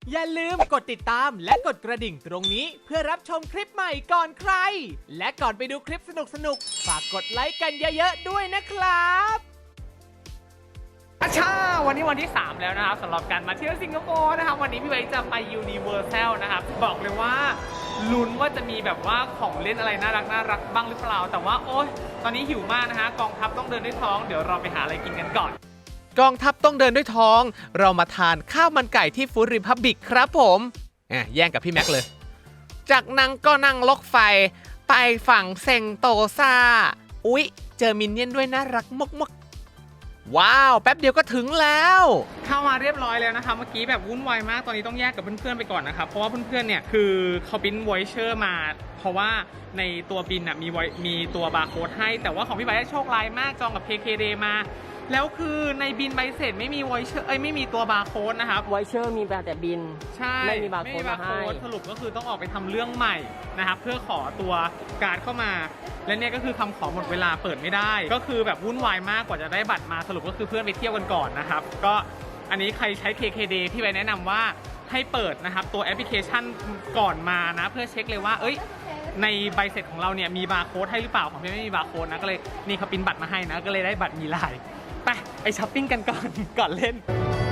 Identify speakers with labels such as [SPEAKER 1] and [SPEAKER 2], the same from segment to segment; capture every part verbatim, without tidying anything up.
[SPEAKER 1] อย่าลืมกดติดตามและกดกระดิ่งตรงนี้เพื่อรับชมคลิปใหม่ก่อนใครและก่อนไปดูคลิปสนุกๆฝากกดไลค์กันเยอะๆด้วยนะครับอาชาวันนี้วันที่สามแล้วนะครับสำหรับการมาเที่ยวสิงคโปร์นะครับวันนี้พี่ไว้จะไป Universal นะครับบอกเลยว่าลุ้นว่าจะมีแบบว่าของเล่นอะไรน่ารักน่ารักบ้างหรือเปล่าแต่ว่าโอ๊ยตอนนี้หิวมากนะฮะกองทัพต้องเดินด้วยท้องเดี๋ยวเราไปหาอะไรกินกันก่อนกองทัพต้องเดินด้วยท้องเรามาทานข้าวมันไก่ที่ฟู้ดริพับบิกครับผมแย่งกับพี่แม็กเลยจากนั้นก็นั่งรถไฟไปฝั่งเซงโตซาอุ๊ยเจอมินเนี่ยนด้วยน่ารักมากๆว้าวแป๊บเดียวก็ถึงแล้วเข้ามาเรียบร้อยแล้วนะคะเมื่อกี้แบบวุ่นวายมากตอนนี้ต้องแยกกับเพื่อนๆไปก่อนนะครับเพราะว่าเพื่อนๆเนี่ยคือเขาบินไวเชอร์มาเพราะว่าในตัวบินอ่ะมีมีตัวบาร์โค้ดให้แต่ว่าของพี่ใบได้โชคร้ายมากจองกับ เค เค ดี มาแล้วคือในบินใบเสร็จไม่มีไวเชอร์เอ้ยไม่มีตัวบาร์โค้ดนะครับ
[SPEAKER 2] ไวเชอร์มีแต่บิน
[SPEAKER 1] ใช่
[SPEAKER 2] ไม่มีบาร์โค้ดมาให้
[SPEAKER 1] สรุปก็คือต้องออกไปทำเรื่องใหม่นะครับเพื่อขอตัวการ์ดเข้ามาและเนี่ยก็คือคำขอหมดเวลาเปิดไม่ได้ก็คือแบบวุ่นวายมากกว่าจะได้บัตรมาสรุปก็คือเพื่อนไปเที่ยวกันก่อนนะครับก็อันนี้ใครใช้ เค เค ดี พี่ใบแนะนำว่าให้เปิดนะครับตัวแอปพลิเคชันก่อนมานะเพื่อเช็คเลยว่าเอ้ยในใบเสร็จของเราเนี่ยมีบาร์โค้ดให้หรือเปล่าของพี่ไม่มีบาร์โค้ดนะก็เลยนี่เขาพิมพ์บัตรมาให้นะก็เลยได้บัตรมีลายไปไปช้อปปิ้งกันก่อนก่อนเล่น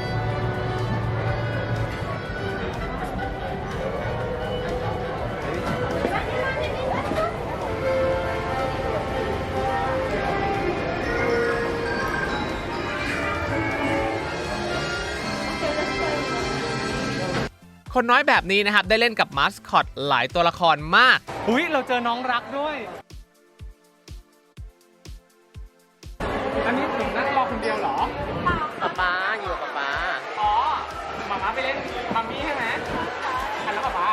[SPEAKER 1] คนน้อยแบบนี้นะครับได้เล่นกับมาสคอตหลายตัวละครมากอุ้ยเราเจอน้องรักด้วยอันนี้ถึงนั่งรอคนเดียวเหรอ
[SPEAKER 2] ป๊าป๊าอยู่กับป๊า
[SPEAKER 1] อ๋อหมาม้าไปเล่นมัมมี่ใช่ไหมทันแล้วป๊าป๊า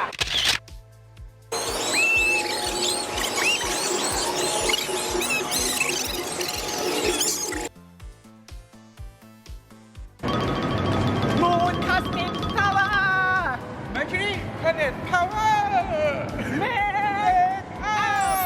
[SPEAKER 1] มูนคัสมินพาวเวอร์เมอร์คิวรีเพลเน็ตพาวเวอร์เมกเอา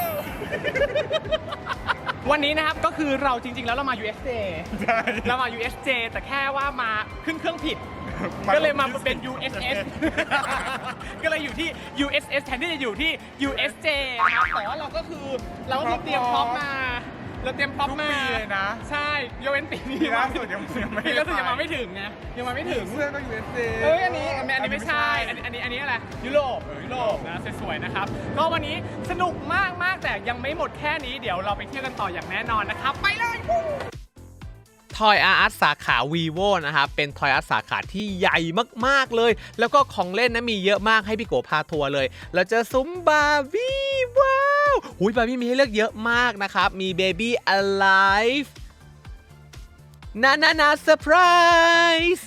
[SPEAKER 1] วันนี้นะครับก็คือเราจริงๆแล้วเรามา ยู เอส เจ เรามา ยู เอส เจ แต่แค่ว่ามาขึ้นเครื่องผิดก็เลยมาเป็น ยู เอส เอส ก็เลยอยู่ที่ ยู เอส เอส แทนที่จะอยู่ที่ ยู เอส เจ นะครับแต่ว่าเราก็คือเราก็เตรียมพร้อมมาเราเตรียมพร้อมมาเลยนะใช่ยกเว้นปีนี้ล่าสุดยังไม่ล่าสุดยังมาไม่ถึงไงยังมาไม่ถึง
[SPEAKER 3] เสื้อก็ ยู เอส เจ
[SPEAKER 1] เอ้ยอันนี้อันนี้ไม่ใช่อันนี้อันนี้อันนี้อะไรยุโรปยุโรปนะสวยๆนะครับก็วันนี้สนุกมากมากแต่ยังไม่หมดแค่นี้เดี๋ยวเราไปเที่ยวกันต่ออย่างแน่นอนนะครับไปเลยทอยอาร์ตสาขา vivo นะครับเป็นทอยอาร์ตสาขาที่ใหญ่มากๆเลยแล้วก็ของเล่นนะมีเยอะมากให้พี่โกพาทัวร์เลยเราเจอซุ้มบาร์บี้ว้าวหุยบาร์บี้มีให้เลือกเยอะมากนะครับมี Baby Alive นานานาเซอร์ไพรส์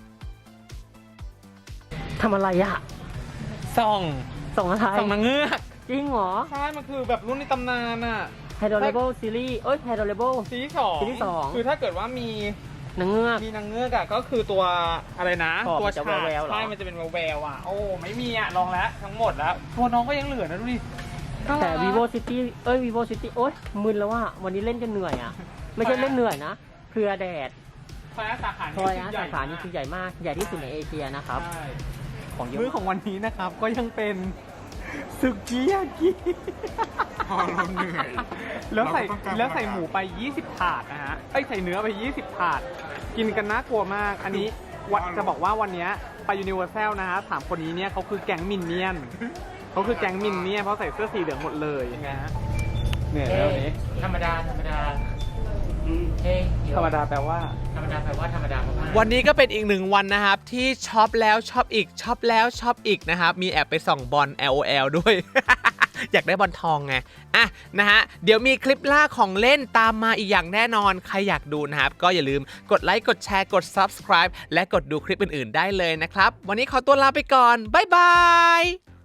[SPEAKER 2] ทำอะไรอะ
[SPEAKER 1] ส่อง
[SPEAKER 2] ส่องอะไร
[SPEAKER 1] ส่องนางเงือก
[SPEAKER 2] จริงเหรอ
[SPEAKER 1] ใช่มันคือแบบรุ่นในตำนานอะ
[SPEAKER 2] ไฮโดรเลเบิลซีรีส์เอ้ยไฮโดรเลเบิล
[SPEAKER 1] ซีรีส์สอง
[SPEAKER 2] ซีรีส์สอง
[SPEAKER 1] คือถ้าเกิดว่ามี
[SPEAKER 2] นางเงือก
[SPEAKER 1] มีนางเงือกอะก็คือตัวอะไรนะตัว
[SPEAKER 2] ฉาก
[SPEAKER 1] ใช่มันจะเป็นแววๆอะโอ้ไม่มีอะลองแล้วทั้งหมดแล้วตัวน้องก็ยังเหลือนะดูดิ
[SPEAKER 2] แต่ vivo city เอ้ย vivo city โอ๊ยมึนแล้วว่าวันนี้เล่นจนเหนื่อยอะไม่ใช่เล่นเหนื่อยนะเพลียแดด
[SPEAKER 1] ทอยอาร์ตสาขา
[SPEAKER 2] ทอยอาร์ตสาขานี้คือใหญ่มากใหญ่ที่สุดในเอเชียนะครับ
[SPEAKER 1] ของมื้อของวันนี้นะครับก็ยังเป็นสึกิยากิ
[SPEAKER 3] พอเราเหนื่อย
[SPEAKER 1] แล้วใส่แล้วใส่หมูไปยี่สิบถาดนะฮะไอ้ใส่เนื้อไปยี่สิบถาดกินกันน่ากลัวมากอันนี้จะบอกว่าวันนี้ไป Universal นะฮะถามคนนี้เนี่ยเขาคือแก๊งมินเนี่ยนเขาคือแก๊งมินเนี่ยนเพราะใส่เสื้อสีเหลืองหมดเลยนะฮะเหนื่อยแล้วนี้
[SPEAKER 2] ธรรมดาธรรมดาเฮ้ย
[SPEAKER 1] ธรรมดาแปลว่า
[SPEAKER 2] ธรรมดาแปลว่าธรรมดามาก
[SPEAKER 1] วันนี้ก็เป็นอีกหนึ่งวันนะครับที่ช็อปแล้วช็อปอีกช็อปแล้วช็อปอีกนะครับมีแอบไปส่องบอล แอล โอ แอล ด้วย อยากได้บอลทองไงอ่ะนะฮะเดี๋ยวมีคลิปล่าของเล่นตามมาอีกอย่างแน่นอนใครอยากดูนะครับก็อย่าลืมกดไลค์กดแชร์กด ซับสไครบ์ และกดดูคลิปอื่นๆได้เลยนะครับวันนี้ขอตัวลาไปก่อนบ๊ายบาย